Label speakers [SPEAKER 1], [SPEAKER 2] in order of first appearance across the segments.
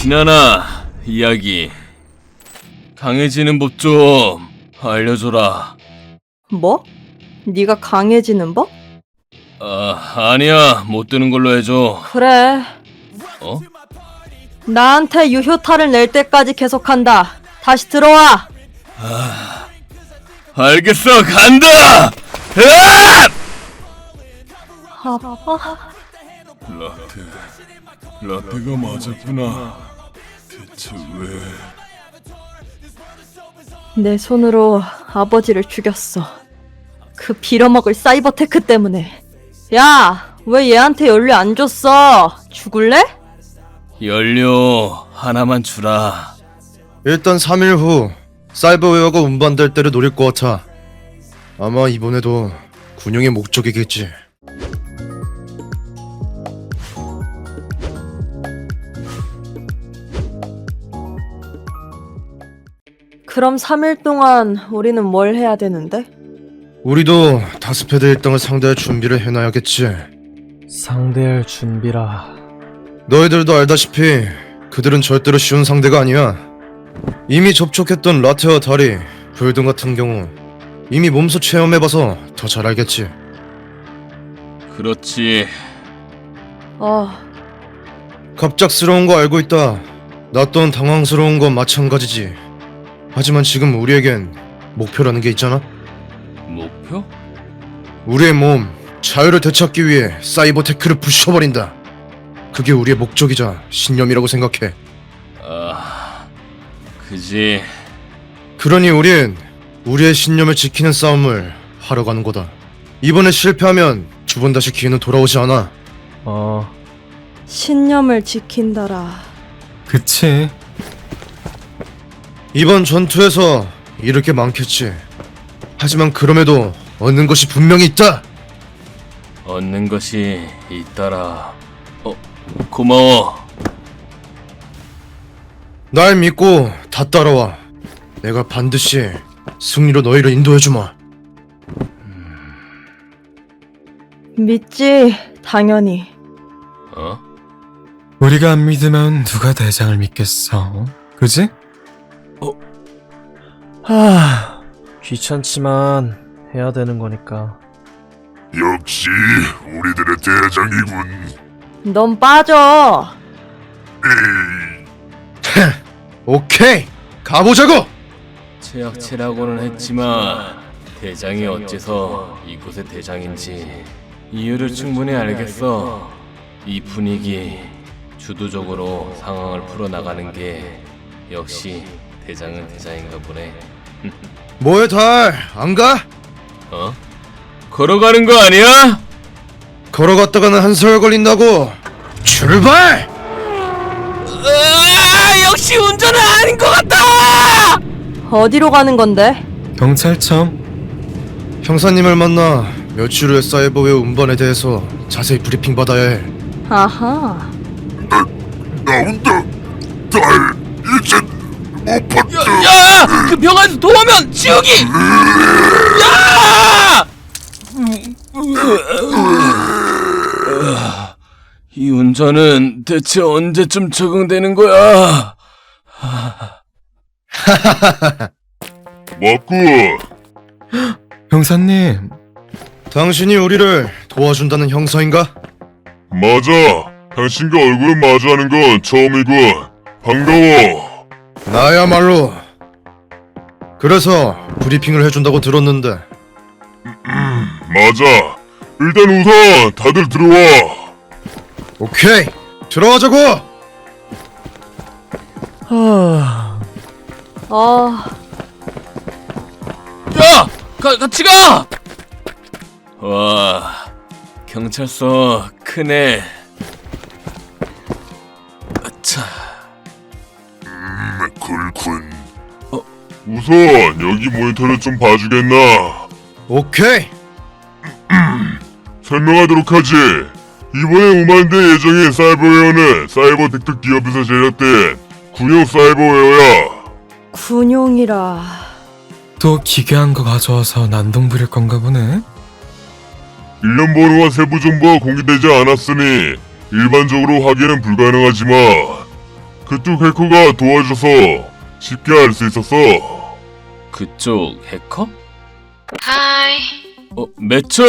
[SPEAKER 1] 지나나 이야기. 강해지는 법 좀 알려줘라.
[SPEAKER 2] 뭐? 네가 강해지는 법?
[SPEAKER 1] 아니야. 못 드는 걸로 해줘.
[SPEAKER 2] 그래.
[SPEAKER 1] 어?
[SPEAKER 2] 나한테 유효타를 낼 때까지 계속한다. 다시 들어와.
[SPEAKER 1] 알겠어. 간다! 으악!
[SPEAKER 2] 아파.
[SPEAKER 1] 라테가 맞았구나. 대체 왜...
[SPEAKER 2] 내 손으로 아버지를 죽였어. 그 빌어먹을 사이버테크 때문에. 야, 왜 얘한테 연료 안 줬어? 죽을래?
[SPEAKER 1] 연료 하나만 주라.
[SPEAKER 3] 일단 3일 후 사이버웨어가 운반될 때를 노릴 것 같아. 아마 이번에도 군용의 목적이겠지.
[SPEAKER 2] 그럼 3일 동안 우리는 뭘 해야 되는데?
[SPEAKER 3] 우리도 다스패드 일당을 상대할 준비를 해놔야겠지.
[SPEAKER 4] 상대할 준비라.
[SPEAKER 3] 너희들도 알다시피 그들은 절대로 쉬운 상대가 아니야. 이미 접촉했던 라테와 다리, 불등 같은 경우 이미 몸소 체험해봐서 더 잘 알겠지.
[SPEAKER 1] 그렇지.
[SPEAKER 3] 갑작스러운 거 알고 있다. 나 또한 당황스러운 건 마찬가지지. 하지만 지금 우리에겐 목표라는 게 있잖아.
[SPEAKER 1] 목표?
[SPEAKER 3] 우리의 몸, 자유를 되찾기 위해 사이버테크를 부셔버린다. 그게 우리의 목적이자 신념이라고 생각해.
[SPEAKER 1] 그지.
[SPEAKER 3] 그러니 우린 우리의 신념을 지키는 싸움을 하러 가는 거다. 이번에 실패하면 두 번 다시 기회는 돌아오지 않아.
[SPEAKER 2] 신념을 지킨다라.
[SPEAKER 4] 그치.
[SPEAKER 3] 이번 전투에서 잃을 게 많겠지. 하지만 그럼에도 얻는 것이 분명히 있다.
[SPEAKER 1] 얻는 것이 있더라. 고마워.
[SPEAKER 3] 날 믿고 다 따라와. 내가 반드시 승리로 너희를 인도해주마.
[SPEAKER 2] 믿지, 당연히.
[SPEAKER 4] 우리가 안 믿으면 누가 대장을 믿겠어? 그지? 귀찮지만 해야 되는 거니까.
[SPEAKER 5] 역시 우리들의 대장이군.
[SPEAKER 2] 넌 빠져.
[SPEAKER 3] 오케이, 가보자고!
[SPEAKER 1] 최악체라고는 했지만 대장이 어째서 이곳의 대장인지 이유를 충분히 알겠어. 이 분위기, 주도적으로 상황을 풀어나가는 게 역시 대장은 대장인가 보네.
[SPEAKER 3] 뭐해 달, 안 가?
[SPEAKER 1] 걸어가는 거 아니야?
[SPEAKER 3] 걸어갔다가는 한 세월 걸린다고. 출발!
[SPEAKER 1] 역시 운전은 아닌 것 같다!
[SPEAKER 2] 어디로 가는 건데?
[SPEAKER 4] 경찰청.
[SPEAKER 3] 형사님을 만나 며칠 후에 사이버웨어 운반에 대해서 자세히 브리핑 받아야 해.
[SPEAKER 2] 아하.
[SPEAKER 5] 나온다. 달 이젠 못 봤다.
[SPEAKER 1] 야! 그 병원에서 도우면 지우기! 야! 이 운전은 대체 언제쯤 적응되는 거야?
[SPEAKER 5] 맞고
[SPEAKER 4] 형사님,
[SPEAKER 3] 당신이 우리를 도와준다는 형사인가?
[SPEAKER 5] 맞아. 당신과 얼굴을 마주하는 건 처음이군. 반가워.
[SPEAKER 3] 나야말로. 그래서 브리핑을 해준다고 들었는데.
[SPEAKER 5] 맞아. 일단 우선 다들 들어와.
[SPEAKER 3] 오케이, 들어가자고!
[SPEAKER 1] 야! 같이 가! 와, 경찰서 크네. 아차.
[SPEAKER 5] 그렇군. 우선 여기 모니터를 좀 봐주겠나?
[SPEAKER 3] 오케이!
[SPEAKER 5] 설명하도록 하지. 이번에 운반될 예정인 사이버웨어는 사이버텍트 기업에서 제작된 군용 사이버웨어야.
[SPEAKER 2] 군용이라.
[SPEAKER 4] 또 기괴한 거 가져와서 난동 부릴 건가 보네.
[SPEAKER 5] 일련 번호와 세부 정보가 공개되지 않았으니 일반적으로 확인은 불가능하지만 그쪽 해커가 도와줘서 쉽게 알 수 있었어.
[SPEAKER 1] 그쪽 해커?
[SPEAKER 6] 하이.
[SPEAKER 1] 매처!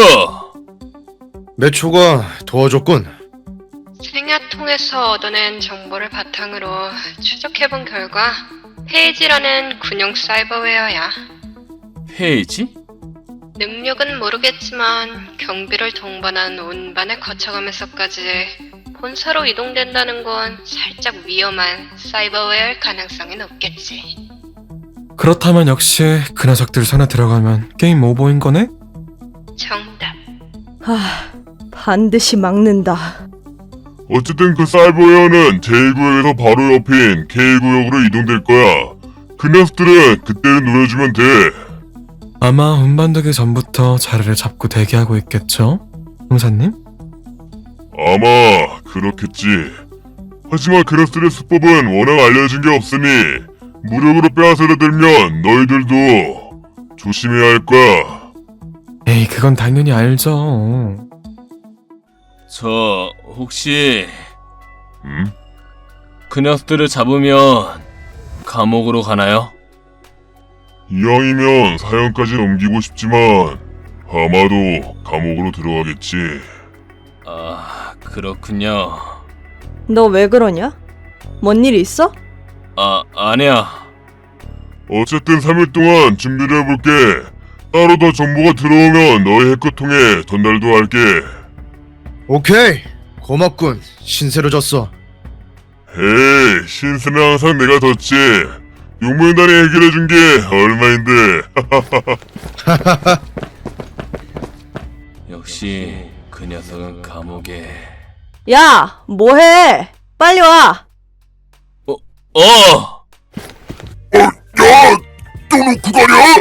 [SPEAKER 3] 매초가 도와줬군.
[SPEAKER 6] 생야통에서 얻어낸 정보를 바탕으로 추적해본 결과 페이지라는 군용 사이버웨어야.
[SPEAKER 1] 페이지?
[SPEAKER 6] 능력은 모르겠지만 경비를 동반한 운반을 거쳐가면서까지 본사로 이동된다는 건 살짝 위험한 사이버웨어일 가능성이 높겠지.
[SPEAKER 4] 그렇다면 역시 그 녀석들 손에 들어가면 게임 오버인 거네?
[SPEAKER 6] 정답.
[SPEAKER 2] 반드시 막는다.
[SPEAKER 5] 어쨌든 그 사이버웨어는 제1구역에서 바로 옆인 K구역으로 이동될 거야. 그 녀석들은 그때를 노려주면 돼.
[SPEAKER 4] 아마 운반되기 전부터 자리를 잡고 대기하고 있겠죠? 형사님?
[SPEAKER 5] 아마 그렇겠지. 하지만 그 녀석들의 수법은 워낙 알려진 게 없으니 무력으로 빼앗으려 들면 너희들도 조심해야 할 거야.
[SPEAKER 4] 에이, 그건 당연히 알죠.
[SPEAKER 1] 저 혹시
[SPEAKER 5] 응?
[SPEAKER 1] 그 녀석들을 잡으면 감옥으로 가나요?
[SPEAKER 5] 이왕이면 사형까지 넘기고 싶지만 아마도 감옥으로 들어가겠지.
[SPEAKER 1] 아, 그렇군요.
[SPEAKER 2] 너 왜 그러냐? 뭔 일 있어?
[SPEAKER 1] 아니야.
[SPEAKER 5] 어쨌든 3일 동안 준비를 해볼게. 따로 더 정보가 들어오면 너희 해커통에 전달도 할게.
[SPEAKER 3] 오케이. 고맙군. 신세로 졌어.
[SPEAKER 5] 에이, 신세는 항상 내가 졌지. 용문단이 해결해준 게 얼마인데.
[SPEAKER 1] 역시 그 녀석은 감옥에...
[SPEAKER 2] 야, 뭐해? 빨리 와.
[SPEAKER 5] 야! 또 놓고 가냐?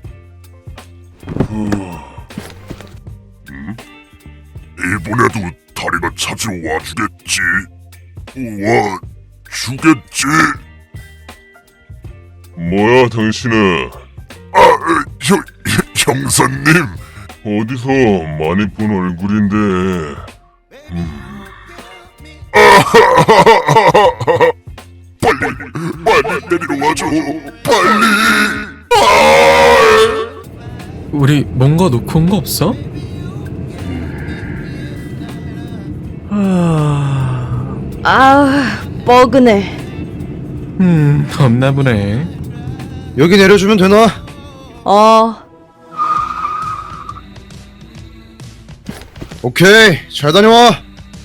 [SPEAKER 5] 이번에도 다리가 찾으러 와주겠지. 와, 주겠지. 뭐야, 당신은? 형사님. 어디서 많이 본 얼굴인데. 빨리 내리러 와줘. 빨리.
[SPEAKER 4] 우리 뭔가 놓고 온 거 없어?
[SPEAKER 2] 뻐근해.
[SPEAKER 4] 없나 보네.
[SPEAKER 3] 여기 내려주면 되나? 오케이. 잘 다녀와.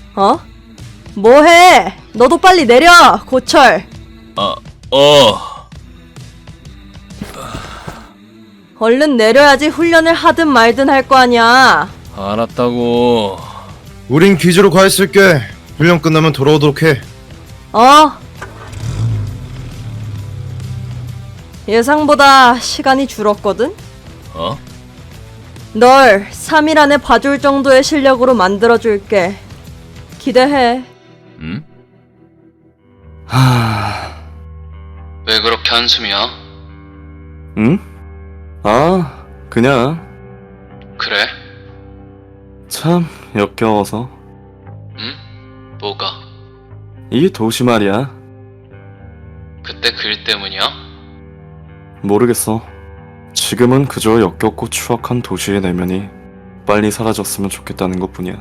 [SPEAKER 2] 뭐해? 너도 빨리 내려, 고철. 얼른 내려야지 훈련을 하든 말든 할 거 아니야.
[SPEAKER 1] 알았다고.
[SPEAKER 3] 우린 기지로 가 있을게. 훈련 끝나면 돌아오도록 해.
[SPEAKER 2] 예상보다 시간이 줄었거든?
[SPEAKER 1] 어?
[SPEAKER 2] 널 3일 안에 봐줄 정도의 실력으로 만들어줄게. 기대해.
[SPEAKER 1] 응?
[SPEAKER 7] 왜 그렇게 한숨이야?
[SPEAKER 8] 응? 아, 그냥
[SPEAKER 7] 그래?
[SPEAKER 8] 참 역겨워서.
[SPEAKER 7] 응? 뭐가?
[SPEAKER 8] 이 도시 말이야.
[SPEAKER 7] 그때 그 일 때문이야?
[SPEAKER 8] 모르겠어. 지금은 그저 역겹고 추악한 도시의 내면이 빨리 사라졌으면 좋겠다는 것뿐이야.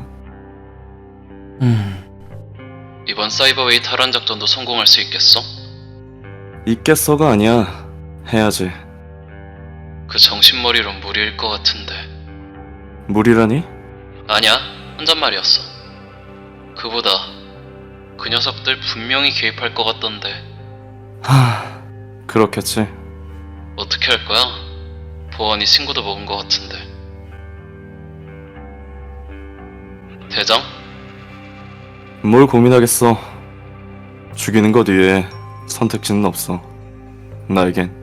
[SPEAKER 7] 이번 사이버웨이 탈환 작전도 성공할 수 있겠어?
[SPEAKER 8] 있겠어가 아니야. 해야지.
[SPEAKER 7] 그 정신머리론 무리일 것 같은데.
[SPEAKER 8] 무리라니?
[SPEAKER 7] 아니야, 혼잣말이었어. 그보다 그 녀석들 분명히 개입할 것 같던데.
[SPEAKER 8] 그렇겠지.
[SPEAKER 7] 어떻게 할 거야? 보안이 신고도 먹은 것 같은데. 대장?
[SPEAKER 8] 뭘 고민하겠어. 죽이는 것 외에 선택지는 없어. 나에겐.